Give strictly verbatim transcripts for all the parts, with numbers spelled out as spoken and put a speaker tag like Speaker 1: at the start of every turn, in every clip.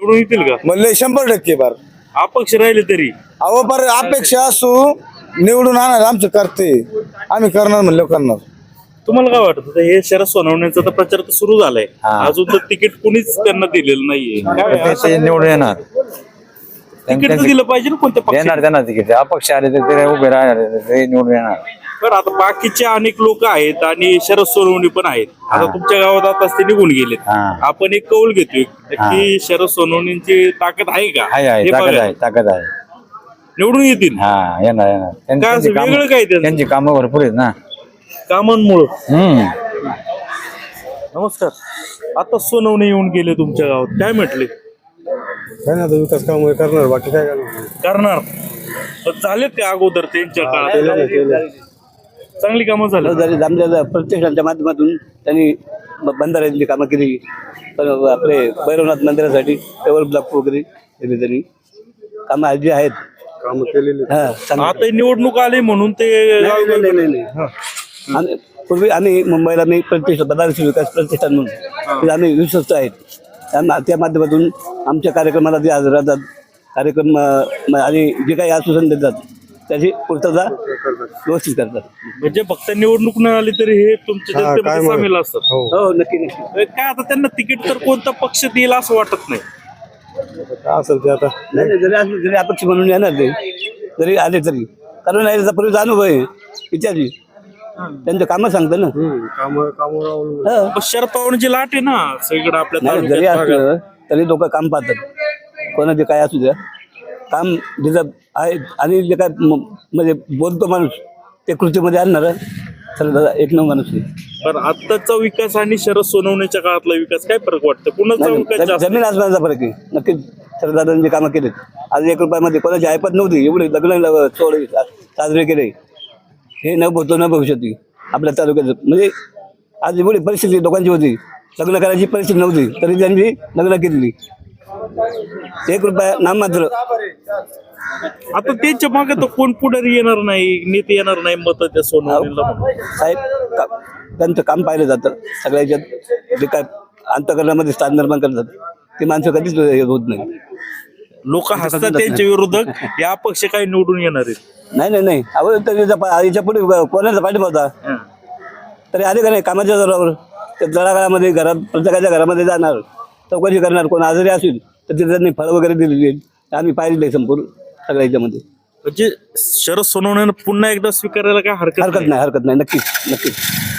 Speaker 1: निवडून येतील का?
Speaker 2: म्हणले शंभर टक्के बार
Speaker 1: अपक्ष राहिले तरी
Speaker 2: अहो पर अपेक्षा असू निवडून आणणार आमचं करते आम्ही करणार म्हणलं करणार.
Speaker 1: तुम्हाला काय वाटतं आता हे शरद सोनवणेचा तर प्रचार तर सुरू झालाय, अजून तर तिकीट कुणीच त्यांना दिलेलं नाहीये. काय
Speaker 3: ते निवडून येणार,
Speaker 1: तिकीट तर दिलं पाहिजे ना कोणत्या
Speaker 3: येणार
Speaker 1: पक्षाला?
Speaker 3: त्यांना तिकीट. अपक्ष आले तर ते उभे राहणार, ते निवडून येणार.
Speaker 1: बरं आता बाकीचे अनेक लोक आहेत आणि शरद सोनवणे पण आहेत. आता तुमच्या गावात आता ते निघून गेलेत.
Speaker 3: हा.
Speaker 1: आपण एक कौल घेतोय की शरद सोनवणेंची ताकद आहे का?
Speaker 3: आहे आहे
Speaker 1: हे
Speaker 3: ताकद
Speaker 1: बघा.
Speaker 3: आहे ताकद आहे.
Speaker 1: निवडून येतील
Speaker 3: हा येणार येणार. त्यां-
Speaker 1: काय
Speaker 3: त्यांची
Speaker 1: असं
Speaker 3: कामं-
Speaker 1: वेगळं काय त्यांचं?
Speaker 3: त्यांची कामं भरपूर आहेत ना.
Speaker 1: कामांमुळं.
Speaker 3: हम्म
Speaker 1: नमस्कार. आता सोनवणे येऊन गेले तुमच्या गावात, काय म्हटले?
Speaker 2: काय ना विकास काम करणार बाकी काय करणार.
Speaker 1: करणार पण झालेत ते अगोदर त्यांच्या काळात चांगली कामं झाली.
Speaker 4: आमच्या प्रतिष्ठानच्या माध्यमातून त्यांनी ब- बंधाऱ्याची कामं केली. पण आपले भैरवनाथ मंदिरासाठी टेबल ब्लॉक वगैरे केले त्यांनी कामं जी आहेत
Speaker 2: काम केलेली
Speaker 4: हा चांगली.
Speaker 1: आता निवडणूक आली म्हणून ते
Speaker 4: नाही, नाही, नाही, नाही, नाही. आम्ही पूर्वी आम्ही मुंबईला मी प्रतिष्ठान बनारसी विकास प्रतिष्ठान म्हणून तिथे आम्ही विश्वस्त आहेत. त्या त्या माध्यमातून आमच्या कार्यक्रमाला जे हजर राहतात कार्यक्रम अं, म- आणि जे काही आश्वासन देतात त्याची पूर्तता व्यवस्थित करतात.
Speaker 1: म्हणजे फक्त निवडणूक न आली तरी हे तुमच्या जनतेमध्ये सामील असतात.
Speaker 4: हो नक्की नक्की
Speaker 1: काय आता त्यांना तिकीट तर कोणता पक्ष देईल असं वाटत नाही.
Speaker 2: असेल ते आता
Speaker 4: नाही नाही, जरी असलं जरी अपक्ष म्हणून येणार ते जरी आले तरी कारण नाही त्याचा पूर्वीचा अनुभव आहे विचारली त्यांचं कामं सांगतं ना.
Speaker 2: काम कामावर
Speaker 4: हा.
Speaker 1: पण शरद पवारांची लाट आहे ना सगळीकडे आपल्या
Speaker 4: नाही जरी
Speaker 1: तालुक्यात भागात.
Speaker 4: असलं तरी लोक काम पाहतात कोणाचे काय असू द्या काम जिथं आहे आणि जे काय म- म्हणजे बोलतो माणूस ते कृतीमध्ये आणणार तर दादा एक नऊ माणूस आहे.
Speaker 1: पण आत्ताचा विकास आणि शरद सोनवणेच्या काळातला विकास काय फरक वाटतं? कुणाचा
Speaker 4: नाही,
Speaker 1: विकास
Speaker 4: जम-
Speaker 1: जास्त?
Speaker 4: जमीन आसमानाचा फरक आहे नक्कीच. सरदारांनी जे कामं केलेत आज एक रुपयामध्ये कोणाची ऐपत नव्हती एवढे लग्न सोहळे सा- साजरे केले हे न भूतो न भविष्यती आपल्या तालुक्याचं म्हणजे आज एवढी परिस्थिती लोकांची होती लग्न करायची परिस्थिती नव्हती तरी त्यांनी लग्न केलेली एक रुपया नाममात्र.
Speaker 1: आता त्यांच्या मागे तर कोण पुढारी येणार नाही, नेते येणार नाही मत त्या सोनवणेला म्हणून.
Speaker 4: साहेब का- त्यांचं काम पाहिलं जातं सगळ्याच्यात जे काय अंतकरणामध्ये स्थान निर्माण करतात ती माणसं कधीच हे होत नाही.
Speaker 1: लोक हसतात त्यांच्या विरोधक या पक्ष काही निवडून येणार आहेत.
Speaker 4: नाही नाही नाही अहो तरी याच्या पुढे कोणाचा पाठिंबा होता तरी आले का नाही कामाच्या जोरावर त्या तळागाळामध्ये घरात प्रत्येकाच्या घरामध्ये जाणार चौकशी करणार कोण आजारी असेल तर तिथे त्यांनी फळं वगैरे दिलेली आहेत आम्ही पाहिलेलं आहे संपूर्ण सगळ्या याच्यामध्ये.
Speaker 1: म्हणजे शरद सोनवणे पुन्हा एकदा स्वीकारायला काय हरकत
Speaker 4: हरकत नाही हरकत नाही नक्कीच नक्कीच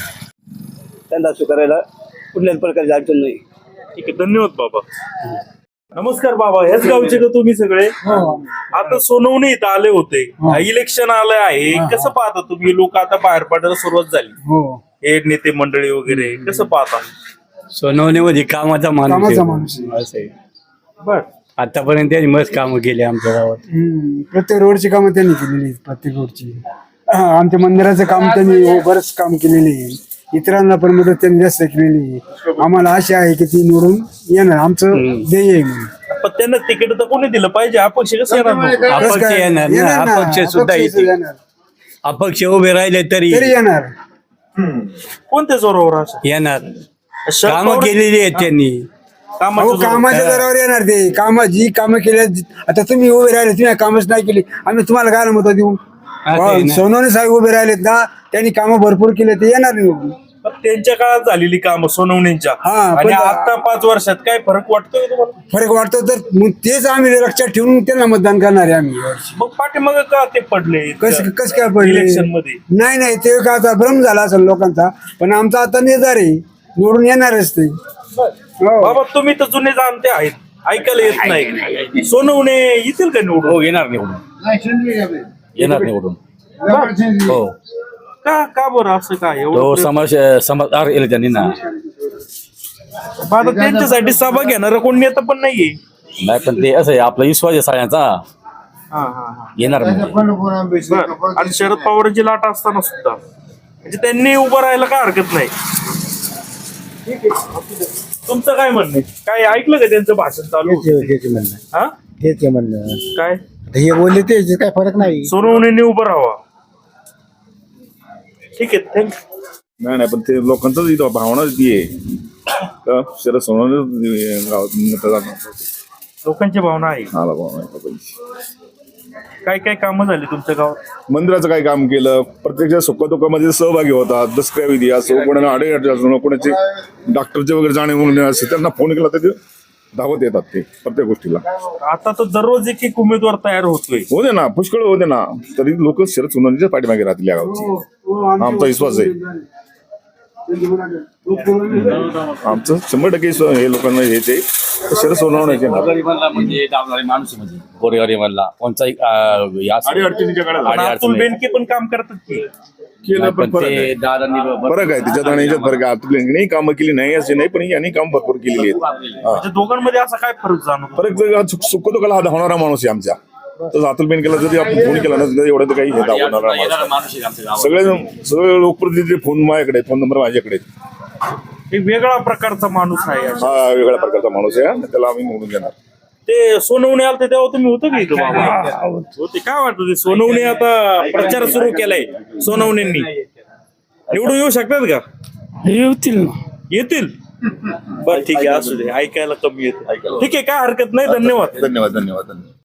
Speaker 4: त्यांना स्वीकारायला कुठल्याच प्रकारची अडचण नाही.
Speaker 1: ठीक आहे, धन्यवाद बाबा. नमस्कार बाबा, ह्याच गावचे का तुम्ही सगळे? आता सोनवणे इथं आले होते, इलेक्शन आलं आहे, कसं पाहता तुम्ही? लोक आता बाहेर पडायला सुरुवात झाली, हे नेते मंडळी वगैरे कसं पाहता?
Speaker 5: सोनवणे मध्ये कामाचा माणूस
Speaker 6: कामाचा
Speaker 5: आहे.
Speaker 6: माणूस आहे.
Speaker 5: असं आहे.
Speaker 1: बर
Speaker 5: आतापर्यंत त्यांनी मस्त कामं केली आमच्या गावात.
Speaker 6: हम्म. प्रत्येक रोडची कामं त्यांनी केलेली आहेत प्रत्येक रोडची. हा, आमच्या मंदिराचं काम त्यांनी हो, बरंच काम केलेले आहे. इतरांना पण मदत त्यांनी जास्त केलेली आहे. आम्हाला आशा आहे की ती निवडून येणार आमचं ध्येय आहे म्हणून.
Speaker 1: पण त्यांना तिकीट तर कोणी दिलं पाहिजे? अपक्ष कसं येणार मग?
Speaker 5: अपक्ष
Speaker 6: कसं काय?
Speaker 5: येणार ना,
Speaker 6: येणार ना,
Speaker 5: अपक्ष सुद्धा
Speaker 6: अपक्ष
Speaker 5: येते.
Speaker 6: येणार.
Speaker 5: अपक्ष उभे राहिले तरी
Speaker 6: तरी येणार.
Speaker 1: कोणत्या जोरावर असं?
Speaker 5: येणार.
Speaker 1: शरद
Speaker 5: कामं
Speaker 1: पवार-
Speaker 5: केलेली आहेत त्यांनी.
Speaker 1: कामाच्या
Speaker 6: अहो
Speaker 1: जोरावर.
Speaker 6: कामाच्या दरावर येणार ते कामा जी कामं केल्या आता तुम्ही उभे राहिले तुम्ही कामच नाही केली आम्ही तुम्हाला काय मत देऊ.
Speaker 5: आहे ना.
Speaker 6: सोनवणे साहेब उभे राहिलेत ना त्यांनी कामं भरपूर केले ते येणार निवडून.
Speaker 1: पण त्यांच्या काळात झालेली कामं सोनवणेंच्या
Speaker 6: हा,
Speaker 1: आणि
Speaker 6: पण-
Speaker 1: आता पाच वर्षात काय फरक वाटतोय तुम्हाला?
Speaker 6: फरक वाटतो तर मग तेच आम्ही लक्षात ठेवून त्यांना मतदान करणार आहे आम्ही यावर्षी.
Speaker 1: मग पाठीमाग का ते पडले
Speaker 6: कस कस काय पडले
Speaker 1: इलेक्शन मध्ये?
Speaker 6: नाही नाही ते का आता भ्रम झाला असेल लोकांचा पण आमचा आता निर्धार आहे निवडून येणारच ते. हो.
Speaker 1: बाबा तुम्ही तर जुने जाणते आहेत, ऐकायला येत नाही. सोनवणे येतील का निवडून?
Speaker 3: हो येणार निवडून येणार निवडून. हो
Speaker 1: का का बरं असं काय
Speaker 3: तो
Speaker 1: एवढं?
Speaker 3: समाज समाज येईल त्यांनी ना.
Speaker 1: आता त्यांच्यासाठी सभा घेणार कोण नेता पण नाहीये.
Speaker 3: नाही पण ते असं आहे आपला विश्वास आहे सगळ्यांचा
Speaker 1: हा, हा, हा.
Speaker 3: येणार म्हणजे.
Speaker 1: बरं. आणि शरद पवारांची लाट असताना सुद्धा म्हणजे त्यांनी उभं राहायला काय हरकत नाही. तुमचं काय म्हणणं आहे? काय ऐकलं का त्यांचं भाषण चालू? हा
Speaker 2: तेच म्हणलं
Speaker 1: काय
Speaker 2: हे बोलले ते काय फरक नाही.
Speaker 1: सोनवणेंनी उभं राहावा. ठीक आहे, थँक्यू.
Speaker 7: नाही नाही पण ते लोकांचं इथं भावना ती आहे का शरद सोनवणे गावात मतदान
Speaker 1: लोकांची भावना आहे.
Speaker 7: आला भाऊ नाही बाबांची.
Speaker 1: काय काय कामं झाली तुमच्या गावात?
Speaker 7: मंदिराचं काय काम केलं, प्रत्येक सुखदुःखामध्ये सहभागी होतात. दसऱ्या विधी असो, कोणाला अडे असो, कोणाचे डॉक्टरचे वगैरे जाणे म्हणून असं त्यांना फोन केला तर ते धावत येतात ते प्रत्येक गोष्टीला.
Speaker 1: आता तर दररोज एक एक उमेदवार तयार होतोय.
Speaker 7: हो दे ना, पुष्कळ हो दे ना, तरी लोक शरद सोनवणीच्या पाठीमागे राहतील या गावची. आमचा विश्वास आहे, आमचं शंभर टक्के विश्वास हे लोकांना हे ते शरद सोनवण्याचे ना.
Speaker 3: गोरगरिबांना म्हणजे डावणारे माणूस आहे, म्हणजे गोरगरिबांना कोणताही अं, हे असं-
Speaker 7: अडीअडचणीच्या काळात
Speaker 1: पण
Speaker 3: अडीअडचणी.
Speaker 1: अतुल बेनके पण काम करतात की.
Speaker 7: केलं पण
Speaker 3: पण
Speaker 7: फरक
Speaker 3: ते
Speaker 7: आहे.
Speaker 3: दादांनी ब-
Speaker 7: फरक आहे त्याच्यात आणि याच्यात फरक आहे. अतुल कामं केली नाही असे नाही, पण यांनी काम भरपूर केलेली आहेत. हा.
Speaker 1: म्हणजे दोघांमध्ये असा काय फरक जाणवतो?
Speaker 7: फरक जर सुखदुःखाला हा धावणारा माणूस आहे आमच्या. तर अतुल बेनकेला जरी आपण फोन केला ना तरी एवढं तर काही हे धावणारा
Speaker 3: येणारा
Speaker 7: माणूस आहे.
Speaker 3: माणूस आहे आमच्या गावात.
Speaker 7: सगळे सगळे लोकप्रतिनिधी फोन माझ्याकडे, फोन नंबर माझ्याकडे आहेत.
Speaker 1: एक वेगळा प्रकारचा माणूस आहे.
Speaker 7: हा वेगळ्या प्रकारचा माणूस आहे आणि त्याला आम्ही निवडून घेणार.
Speaker 1: ते सोनवणे आलते तेव्हा तुम्ही होतं का इथं बाबा? होते. काय वाटतं ते सोनवणे आता प्रचार सुरू केलाय सोनवणेंनी, निवडून येऊ शकतात का?
Speaker 6: येतील
Speaker 1: येतील. बर ठीक आहे, असू दे, ऐकायला कमी येत. ठीक आहे, काय हरकत नाही. धन्यवाद.
Speaker 7: धन्यवाद धन्यवाद धन्यवाद.